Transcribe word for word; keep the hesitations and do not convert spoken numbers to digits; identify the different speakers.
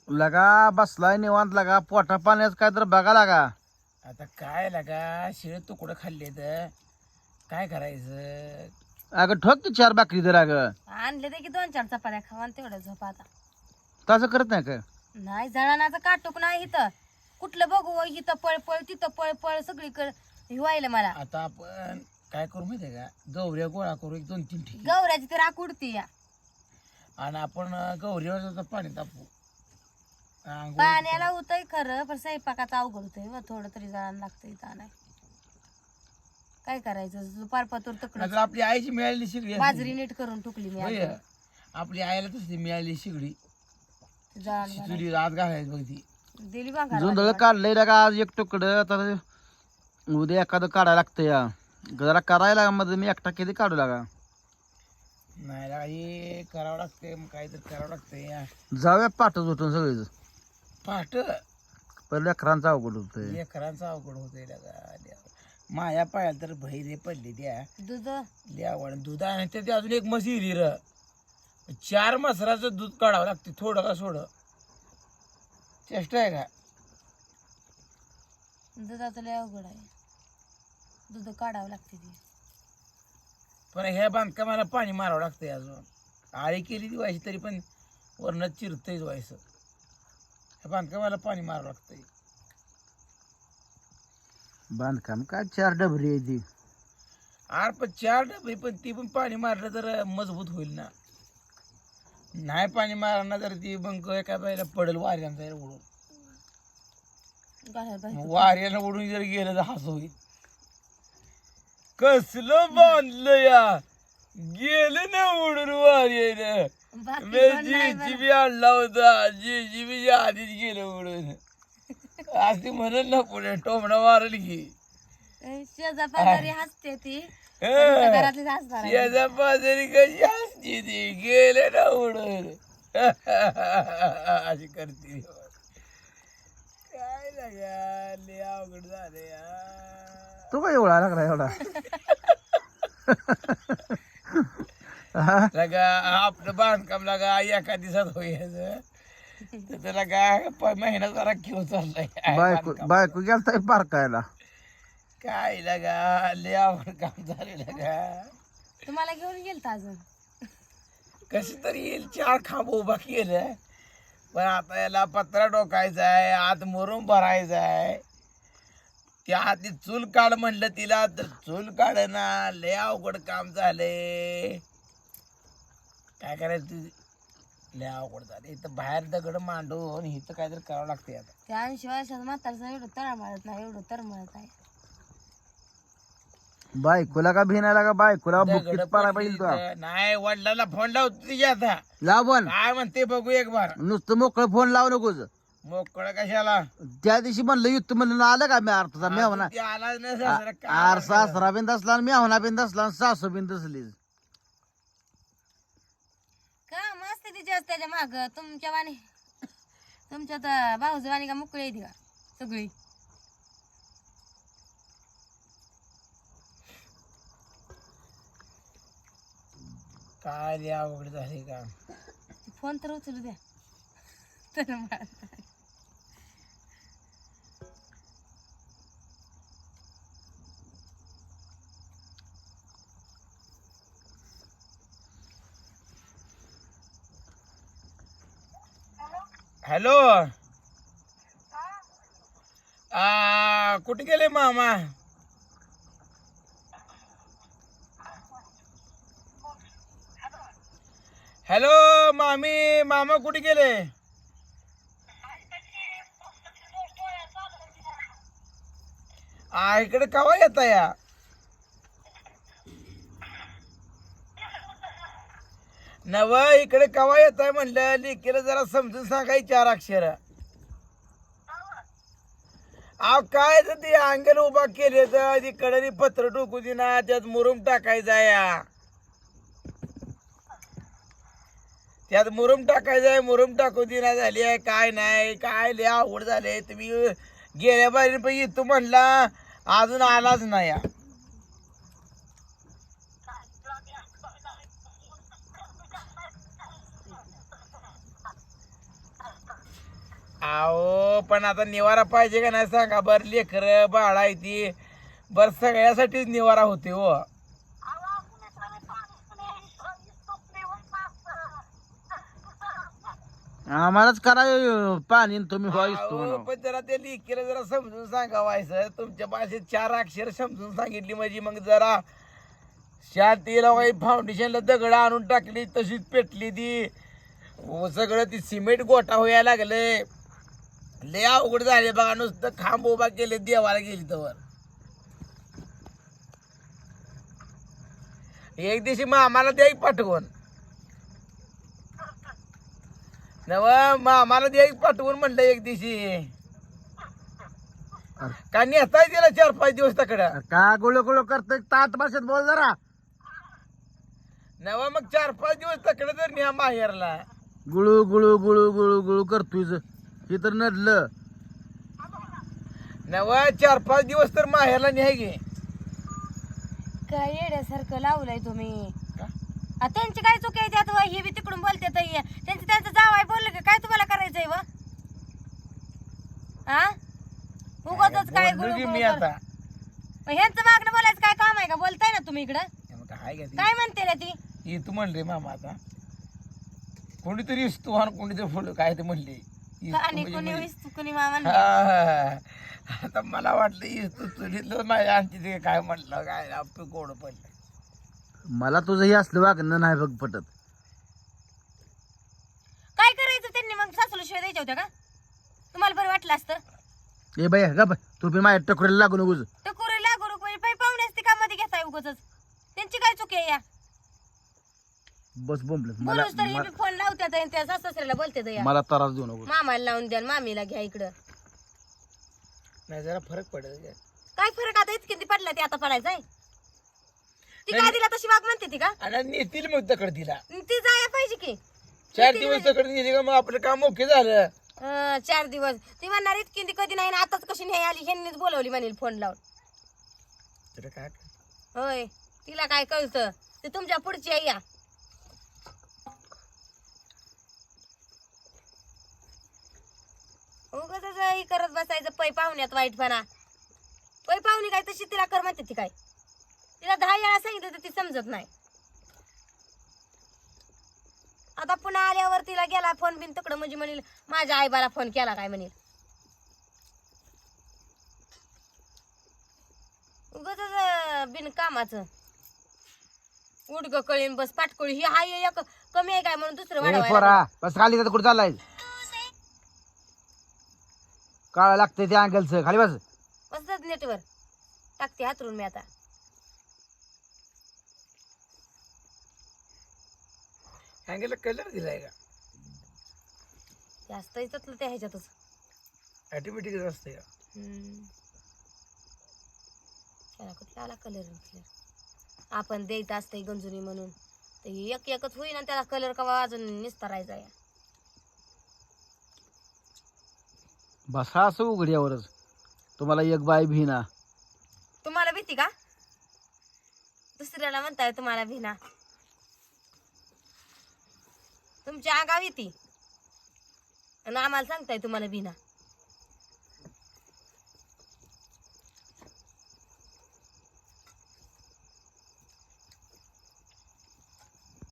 Speaker 1: लगा बसलाय निवांत लगा पोटा पाण्याच काय तर बघा लागा.
Speaker 2: आता काय लागा शिळे तुकडं खाल्ले तर काय करायचं.
Speaker 1: अगं ठोक की चार बाकरी तर अगं.
Speaker 3: आणले ते की दोन चार चपात्या खावा आणि तेवढं झोप आता.
Speaker 1: तसं करत नाही का?
Speaker 3: नाही जळणाचं काटूक नाही इथं. कुठलं बघू व इथं पळ पळ तिथं पळ पळ सगळीकडे हिवायला मला.
Speaker 2: आता आपण काय करू माहितीये का, गौऱ्या गोळा करू एक दोन तीन ठिकाणी
Speaker 3: गौऱ्याची तर राख उडती या.
Speaker 2: आणि आपण गौरीवर पाणी तापू. आंघोळ
Speaker 3: पाण्याला होतंय खरं पण स्वयंपाकाचं अवघड होतंय व थोडं तरी जळण लागतं इथं नाही. काय करायचं दुपार पातूर
Speaker 2: नाहीतर
Speaker 3: तकडं
Speaker 2: आपली आईची मिळालेली शिगडी असते.
Speaker 3: बाजरी नीट करून टुकली मी
Speaker 2: होय.
Speaker 3: आता.
Speaker 2: आपली आईला तसली मिळालेली शिगडी
Speaker 3: जळण
Speaker 2: चुली रात घालायची बघ ती.
Speaker 3: दिली बघा
Speaker 1: जुंधळ काढलंय लगा आज एक तुकडं तर उद्या एखादं काढायला लागतं या. जरा करायला मध्ये मी एकटा किती काढू लागा.
Speaker 2: नाही लागा हे करावं लागतंय मग काहीतरी करावं लागतंय या.
Speaker 1: जाऊया पाठच उठून सगळेच.
Speaker 2: पाट
Speaker 1: पहिले लेकरांचं अवघड होतंय.
Speaker 2: लेकरांचा अवघड होतंय लागा. माया पायाला तर बहिरे पडले त्या
Speaker 3: दूध
Speaker 2: द्यावं दूध आणि ते ते अजून एक म्हशी र चार मसराचं दूध काढावं लागते थोडं का सोडं. चेष्टा आहे का.
Speaker 3: दुधाचं लय अवघड आहे. दूध काढावं लागते ती.
Speaker 2: पण ह्या बांधकामाला पाणी मारावं लागतंय अजून. आळी केली ती व्हायची तरी पण वरनं चिरतंयच व्हायचं. ह्या बांधकामाला पाणी मारावं लागतंय.
Speaker 1: बांधकाम काय चार डबरी आहे ती.
Speaker 2: आर पण चार डबे पण ती पण पाणी मारलं तर मजबूत होईल ना. नाही पाणी मारणार तर ती मग एका बाईला पडेल वाऱ्यांचा उडून.
Speaker 3: घालायला पाहिजे.
Speaker 2: वाऱ्यानं उडून जर गेलं तर हस होईल. कसलं बांधलं या गेलं ना उडून वाऱ्यानं.
Speaker 3: बाकी
Speaker 2: मी
Speaker 3: कोण नाही
Speaker 2: जी बी आणला होता जी जी बी आधीच गेलं उडून. अशी म्हणत ना पुढे टोमणा मारल की
Speaker 3: बरं. शेजा पाजारी हसते ती घरातलीच हसणार आहे.
Speaker 2: शेजा पाजारी कशी असते ती गेले ना उडून. अशी करते काय लागा लय अवघड झालं यार.
Speaker 1: तो काय एवढा लागला एवढा.
Speaker 2: लगा आपलं बांधकाम लागा एका दिवसात होईल तर त्याला काय प- महिना जरा घेऊन चाललाय
Speaker 1: बायको
Speaker 2: बांधकाम.
Speaker 1: बायको गेलता पारकायला.
Speaker 2: काय लगा लय अवघड काम झाले लगा.
Speaker 3: तुम्हाला घेऊन गेलता अजून.
Speaker 2: कशी तरी येईल चार खांब उभा केलं पण आता याला पत्रा डोकायचा आहे आत मुरुम भरायचा आहे. त्या आधी चूल काढ म्हणलं तिला तर चूल काढ ना लय अवघड काम झाले. काय करायचं ती लय अवघड झाले. इथं बाहेर दगड मांडून इथं काहीतरी करावं लागते आता.
Speaker 3: त्या ऐंशी वर्षाचं म्हातारचं एवढं तळमळत नाही एवढं तरमळत आहे.
Speaker 1: बायकोला का भिनायला का बायकोला
Speaker 2: दगड
Speaker 1: बुक्कीत पारा
Speaker 2: पडली
Speaker 1: पाहिजे तुला.
Speaker 2: इथं. नाही वडिलांना फोन लावतो तिच्या आता
Speaker 1: लाव पण
Speaker 2: काय म्हणते बघू एक बार.
Speaker 1: नुसतं मोकळं फोन लावू नकोस.
Speaker 2: मोकळ कशाला
Speaker 1: त्या दिवशी म्हणलं युद्ध म्हणलं आलं का मी अर्थाचा मी म्हणा
Speaker 2: ते आलाच नाही सासरा. काय
Speaker 1: आर सासरा बिन दसला मी होना बिन दसला सासू बिन दसली.
Speaker 3: का मस्त तिच्या त्याच्या माग तुमच्या वाणी तुमच्या तर भाऊज वाणी का मोकळी येते का सगळी.
Speaker 2: काय लय अवघड झाले का.
Speaker 3: फोन तर उचलू द्या. तर मला
Speaker 2: हॅलो आ कुठे गेले मामा. हॅलो मामी मामा कुठे गेले. आ इकडे कवा येता या. नव इकडे कवा येत आहे म्हणलं लेकीला जरा समजून सांगाय चार अक्षर. अहो काय तर ते अंगण उभा केले तर तिकडे पत्र टोकू दिना त्यात मुरुम टाकायचा या. त्यात मुरुम टाकायचा आहे मुरुम टाकू दिना झाली आहे काय नाही काय लय अवघड झाले. तुम्ही गेल्या बाहेर पण येतो म्हणला अजून आलाच नाही या. अहो पण आता निवारा पाहिजे का नाही सांगा. बर लेकर बाळा आहे ती बर सगळ्यासाठीच निवारा होते हो.
Speaker 1: आम्हालाच करा अं, पाणी आणि तुम्ही व्हायच
Speaker 2: अहो, पण जरा त्या लेकीला जरा समजून सांगा व्हायचं. तुमच्या भाषेत चार अक्षर समजून सांगितली म्हणजे मग जरा शांतीला काही फाउंडेशनला दगड आणून टाकली तशीच पेटली ती. हो, सगळं ती सिमेंट गोटा व्हायला लागले. लय अवघड झाले बघा. नुसतं खांब उभा केले देवाला गेली तर एक दिवशी मग आम्हाला द्यायक पाठवून नव मग आम्हाला द्यायक पाठवून म्हणलं एक दिवशी का नेताय तिला चार पाच दिवस तकडं.
Speaker 1: का गुळू गुळू करतोय तात भाषेत बोल जरा.
Speaker 2: नवा मग चार पाच दिवस तकडं तर न्या माहेरला.
Speaker 1: गुळू गुळू गुळू गुळू गुळू करतोय हे तर नडलं.
Speaker 2: नवा चार पाच दिवस तर माहेरला न्याय गे.
Speaker 3: काय येड्यासारखं लावलंय तुम्ही. आ, त्यांची काय चुकी आहे त्यात व? हे बी तिकडून बोलते त्यांचं त्यांचं जावाय बोललं का काय तुम्हाला करायचंय व? हा उगाचच काय
Speaker 2: बोललो
Speaker 3: गुळू
Speaker 2: की
Speaker 3: गुळू
Speaker 2: मी
Speaker 3: कर-
Speaker 2: आता
Speaker 3: मग ह्यांचं मागणं बोलायचं काय काम आहे का? बोलताय ना तुम्ही इकडं.
Speaker 2: मग काय का ती?
Speaker 3: काय म्हणते रे ती?
Speaker 2: ही तू म्हणले मामा आता कोणीतरी तू आणि कोणीतरी फुल काय ते म्हणले इस्तू
Speaker 3: आणि
Speaker 2: म्हणजे
Speaker 3: कोणी
Speaker 2: मी-
Speaker 3: विस्तू कोणी मामा
Speaker 2: हा. आता मला वाटलं इस्तू चुलीतलं नाही आणखी ते काय म्हटलं काय आपलं गोड पडलं.
Speaker 1: मला तुझं हे असलं वागणं नाही बघ पटत.
Speaker 3: काय करायचं त्यांनी मग सासूला शिवाय द्यायच्या होत्या का? तुम्हाला बरं वाटलं असतं.
Speaker 1: ए बाई ग तू बी माझ्या टकोरीला लागू नकोस.
Speaker 3: टकोरी लागू रुपये पै पाहुणे असते का मध्ये घेताय उगाच. त्यांची काय चुकी आहे या?
Speaker 1: बस बोंबलत मला
Speaker 3: बोलूच तर हे बी फोन लावतात आणि त्या सासऱ्याला बोलतात या.
Speaker 1: मला त्रास देऊ नकोस.
Speaker 3: मामाला लावून द्या आणि मामीला घ्या इकडं.
Speaker 2: नाही जरा फरक पडेल का?
Speaker 3: काय फरक आता इतकी ती पडला ते आता पडायचंय. ती काय दिला तशी वाघ म्हणते ती का?
Speaker 2: आणि नेतील मग तकड तिला
Speaker 3: ती जाया पाहिजे की.
Speaker 2: चार दिवस तकड नेली का मग आपलं काम ओके झालं.
Speaker 3: अं, चार दिवस ती म्हणणार इतकी ती कधी नाही ना आताच कशी नाही आली ह्यांनीच बोलवली म्हणेल फोन लावून.
Speaker 2: तर काय
Speaker 3: होय तिला काय कळतं ते तुमच्या पुढची आहे या. उगाच हे करत बसायचं पै पाहुण्यात वाईटपणा. पै पाहुणी काय तशी तिला कर म्हणते ती काय. तिला दहा वेळा सांगितलं तर ती समजत नाही. आता पुन्हा आल्यावर तिला गेला फोन बिन तिकडं म्हणजे म्हणेल माझ्या आईबाला फोन केला काय म्हणेल. उगाच बिन कामाचं उडग कळीन बस पाटकळी ही हाय एक कमी आहे काय म्हणून दुसरं
Speaker 1: ए
Speaker 3: वाढवायला
Speaker 1: पोरा बस खाली तर कुठं चाललाय. काळा लागतंय त्या अँगलचं खाली बस.
Speaker 3: बसतात नेटवर टाकते हातरून मी आता.
Speaker 2: अँगेला कलर दिलाय का?
Speaker 3: जास्त येतात त्या ह्याच्यातच.
Speaker 2: ऑटोमॅटिक असते का?
Speaker 3: हम्म. त्याला कुठला आला कलर कलर आपण द्यायचं असतंय गंजुनी म्हणून तर हे एक एकच होईना त्याला कलर कवा अजून निस्तारायचा या.
Speaker 1: बसा असं उघड्यावरच. तुम्हाला एक बाय भिना.
Speaker 3: तुम्हाला भीती का? दुसऱ्याला म्हणताय तुम्हाला भीना. तुमच्या आगाव येते आणि आम्हाला सांगताय तुम्हाला भीना.